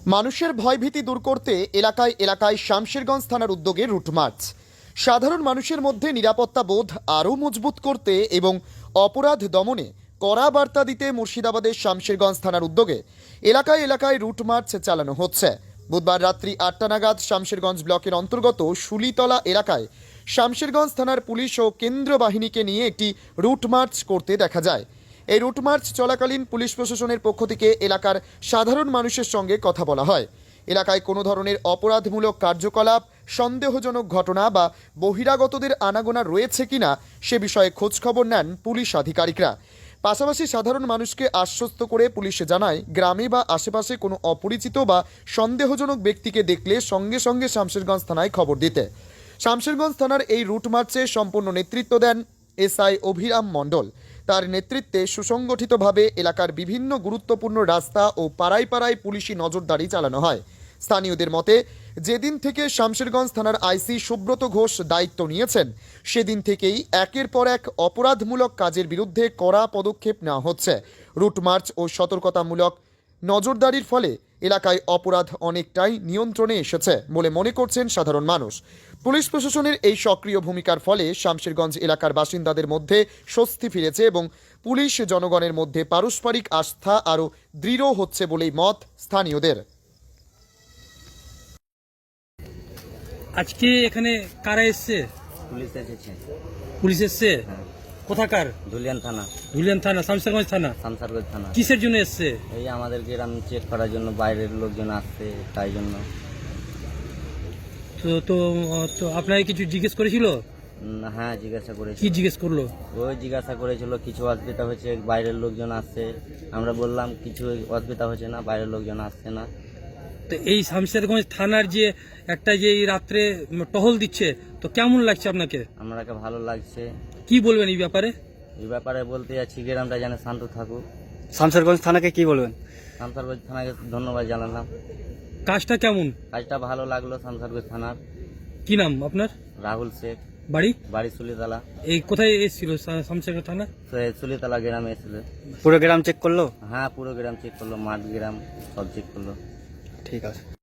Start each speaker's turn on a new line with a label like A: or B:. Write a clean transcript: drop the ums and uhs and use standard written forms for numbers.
A: মানুষের ভয়ভীতি দূর করতে এলাকায় এলাকায় শামশেরগঞ্জ থানার উদ্যোগে রুট মার্চ। সাধারণ মানুষের মধ্যে নিরাপত্তা বোধ আরও মজবুত করতে এবং অপরাধ দমনে কড়া বার্তা দিতে মুর্শিদাবাদের শামশেরগঞ্জ থানার উদ্যোগে এলাকায় এলাকায় রুট মার্চ চালানো হচ্ছে। বুধবার রাত্রি ৮টা নাগাদ শামশেরগঞ্জ ব্লকের অন্তর্গত শুলিতলা এলাকায় শামশেরগঞ্জ থানার পুলিশ ও কেন্দ্র বাহিনীকে নিয়ে একটি রুট মার্চ করতে দেখা যায়। এই রুট মার্চ চলাকালীন পুলিশ প্রশাসনের পক্ষ থেকে এলাকার সাধারণ মানুষের সঙ্গে কথা বলা হয়। এলাকায় কোনো ধরনের অপরাধমূলক কার্যকলাপ, সন্দেহজনক ঘটনা বা বহিরাগতদের আনাগোনা রয়েছে কিনা সে বিষয়ে খোঁজখবর নেন পুলিশ আধিকারিকরা। পাশাপাশি সাধারণ মানুষকে আশ্বস্ত করে পুলিশ জানায়, গ্রামে বা আশেপাশে কোনো অপরিচিত বা সন্দেহজনক ব্যক্তিকে দেখলে সঙ্গে সঙ্গে শামশেরগঞ্জ থানায় খবর দিতে। শামশেরগঞ্জ থানার এই রুট মার্চে সম্পূর্ণ নেতৃত্ব দেন এসআই অভিরাম মণ্ডল। তার নেতৃত্বে সুসংগঠিতভাবে এলাকার বিভিন্ন গুরুত্বপূর্ণ রাস্তা ও পাড়ায় পাড়ায় পুলিশি নজরদারি চালানো হয়। স্থানীয়দের মতে, যেদিন থেকে শামশেরগঞ্জ থানার আইসি সুব্রত ঘোষ দায়িত্ব নিয়েছেন, সেদিন থেকেই একের পর এক অপরাধমূলক কাজের বিরুদ্ধে কড়া পদক্ষেপ নেওয়া হচ্ছে। রুট মার্চ ও সতর্কতামূলক নজরদারির ফলে এলাকায় অপরাধ অনেকটাই নিয়ন্ত্রণে এসেছে বলে মনে করছেন সাধারণ মানুষ। পুলিশ প্রশাসনের এই সক্রিয় ভূমিকার ফলে শামশেরগঞ্জ এলাকার বাসিন্দাদের মধ্যে স্বস্তি ফিরেছে এবং পুলিশ জনগণের মধ্যে পারস্পরিক আস্থা আরও দৃঢ় হচ্ছে বলেই মত স্থানীয়দের।
B: আজকে এখানে কারা এসছে?
C: পুলিশ এসেছে।
B: পুলিশ এসছে?
C: হ্যাঁ।
B: কোথাকার?
C: ধুলিয়ান থানা।
B: ধুলিয়ান থানা, শামশেরগঞ্জ থানা।
C: শামসারগঞ্জ থানা।
B: কিসের জন্য এসছে?
C: এই আমাদের গ্রাম চেক করার জন্য, বাইরের লোকজন আসছে তাই জন্য।
B: তো তো তো আপনাকে কিছু জিজ্ঞেস করেছিল?
C: হ্যাঁ, জিজ্ঞাসা করেছিল।
B: কি জিজ্ঞেস করলো?
C: ওই জিজ্ঞাসা করেছিল কিছু অসুবিধা হচ্ছে, বাইরের লোকজন আসছে। আমরা বললাম কিছু অসুবিধা হচ্ছে না, বাইরের লোকজন আসছে না।
B: তো এই শামশেরগঞ্জ থানার যে একটা যে এই রাত্রে টহল দিচ্ছে, তো কেমন লাগছে আপনাকে?
C: আমাকে ভালো লাগছে।
B: কি বলবেন এই ব্যাপারে?
C: এই ব্যাপারে বলতে যাচ্ছি, গ্রামটা যেন শান্ত থাকুক।
D: শামশেরগঞ্জ থানাকে কি বলবেন?
C: শামসারগঞ্জ থানাকে ধন্যবাদ জানালাম।
B: কাজটা কেমন?
C: কাজটা ভালো লাগলো। শামসারগঞ্জ থানার।
B: কি নাম আপনার?
C: রাহুল শেখ।
B: বাড়ি?
C: বাড়ি সুলিতলা।
B: এই কোথায় এসেছিল শামশেরগঞ্জ থানা?
C: সুলিতলা গ্রামে এসেছিল।
D: পুরো গ্রাম চেক করলো?
C: হ্যাঁ, পুরো গ্রাম চেক করলো, মাঠ গ্রাম সব চেক করলো।
D: ঠিক আছে।